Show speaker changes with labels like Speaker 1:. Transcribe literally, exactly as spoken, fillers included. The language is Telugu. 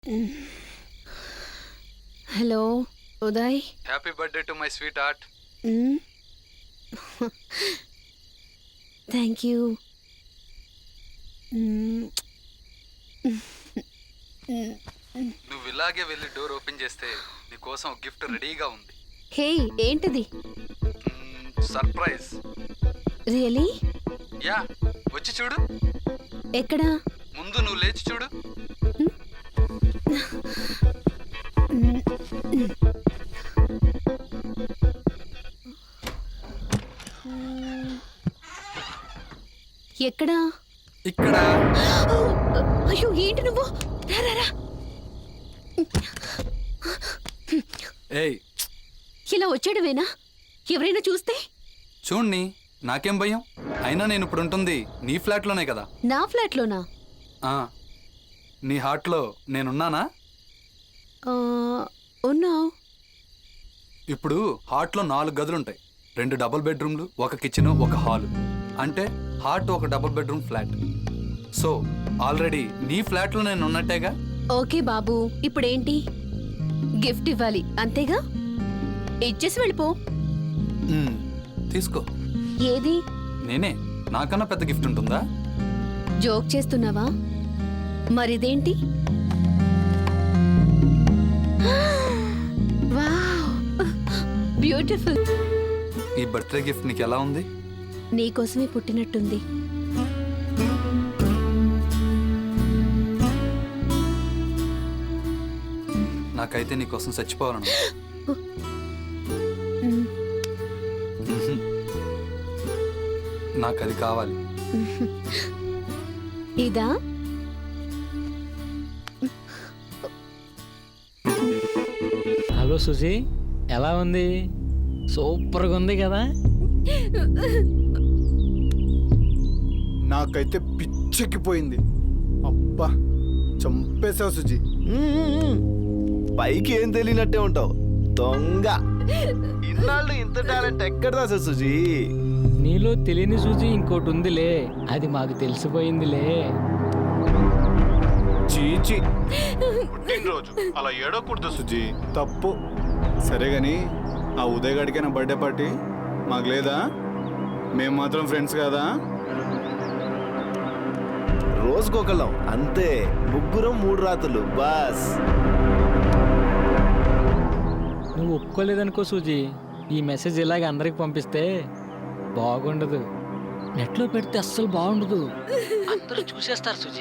Speaker 1: Hello Uday.
Speaker 2: Happy birthday to my sweetheart.
Speaker 1: Thank you.
Speaker 2: నువ్వు ఇలాగే వెళ్ళి డోర్ ఓపెన్ చేస్తే నీకోసం ఒక గిఫ్ట్ రెడీగా ఉంది.
Speaker 1: హే, ఏంటిది?
Speaker 2: సర్ప్రైజ్.
Speaker 1: రియలీ?
Speaker 2: యా, వచ్చి చూడు.
Speaker 1: ఎక్కడా?
Speaker 2: ముందు నువ్వు లేచి చూడు.
Speaker 1: ఎక్కడా?
Speaker 2: ఇక్కడ.
Speaker 1: అయ్యో, ఏంటి నువ్వు? రా రా రా.
Speaker 2: ఏయ్,
Speaker 1: ఇలా వచ్చాడువేనా? ఎవరైనా చూస్తే?
Speaker 2: చూడ్ని, నాకేం భయం. అయినా నేను ఇప్పుడు ఉంటుంది నీ ఫ్లాట్లోనే కదా.
Speaker 1: నా ఫ్లాట్లోనా?
Speaker 2: ఆ, నీ హార్ట్లో నేనున్నానా?
Speaker 1: ఆ, ఉన్నావు.
Speaker 2: ఇప్పుడు హార్ట్లో నాలుగు గదులుంటాయి. రెండు డబుల్ బెడ్రూమ్లు, ఒక కిచెన్, ఒక హాలు. అంటే హార్ట్ ఒక double bedroom flat. So already నీ ఫ్లాట్లో నేను ఉన్నట్టేగా.
Speaker 1: ఓకే బాబు, ఇప్పుడేంటి? గిఫ్ట్ ఇవ్వాలి అంతేగా? ఇచ్చేసి వెళ్ళిపో.
Speaker 2: మ్మ్, తీసుకో.
Speaker 1: ఏది?
Speaker 2: నేనే. నాకన్నా పెద్ద గిఫ్ట్ ఉంటుందా?
Speaker 1: జోక్ చేస్తున్నావా? మరిదేంటి? Wow, beautiful.
Speaker 2: ఈ బర్త్డే గిఫ్ట్ నీకు ఎలా ఉంది?
Speaker 1: నీకోసమే పుట్టినట్టుంది.
Speaker 2: నాకైతే నీకోసం చచ్చిపోవాలను. నాకు అది కావాలి.
Speaker 1: ఇదా?
Speaker 3: హలో సుజీ, ఎలా ఉంది? సూపర్గా ఉంది కదా?
Speaker 4: నాకైతే పిచ్చెక్కిపోయింది. అబ్బా, చంపేశావు సుజీ.
Speaker 5: పైకి ఏం తెలియనట్టే ఉంటావు దొంగ. ఇన్నాళ్ళు ఇంత టాలెంట్ ఎక్కడదా సార్ సుజీ?
Speaker 3: నీలో తెలియని సుజీ ఇంకోటి ఉందిలే, అది మాకు తెలిసిపోయిందిలే.
Speaker 4: చీచి, పుట్టినరోజు అలా ఏడవకూడదు సుజీ, తప్పు. సరే గాని ఆ ఉదయ్ గడికైనా బర్త్డే పార్టీ మాకు లేదా? మేము మాత్రం ఫ్రెండ్స్ కదా.
Speaker 5: రోజుకొకళ్ళం అంతే, ముగ్గురం మూడు రాత్రులు బాస్.
Speaker 3: నువ్వు ఒప్పుకోలేదనుకో సుజీ, ఈ మెసేజ్ ఇలాగ అందరికి పంపిస్తే బాగుండదు. నెట్లో పెడితే అస్సలు బాగుండదు. అందరూ చూసేస్తారు సుజీ.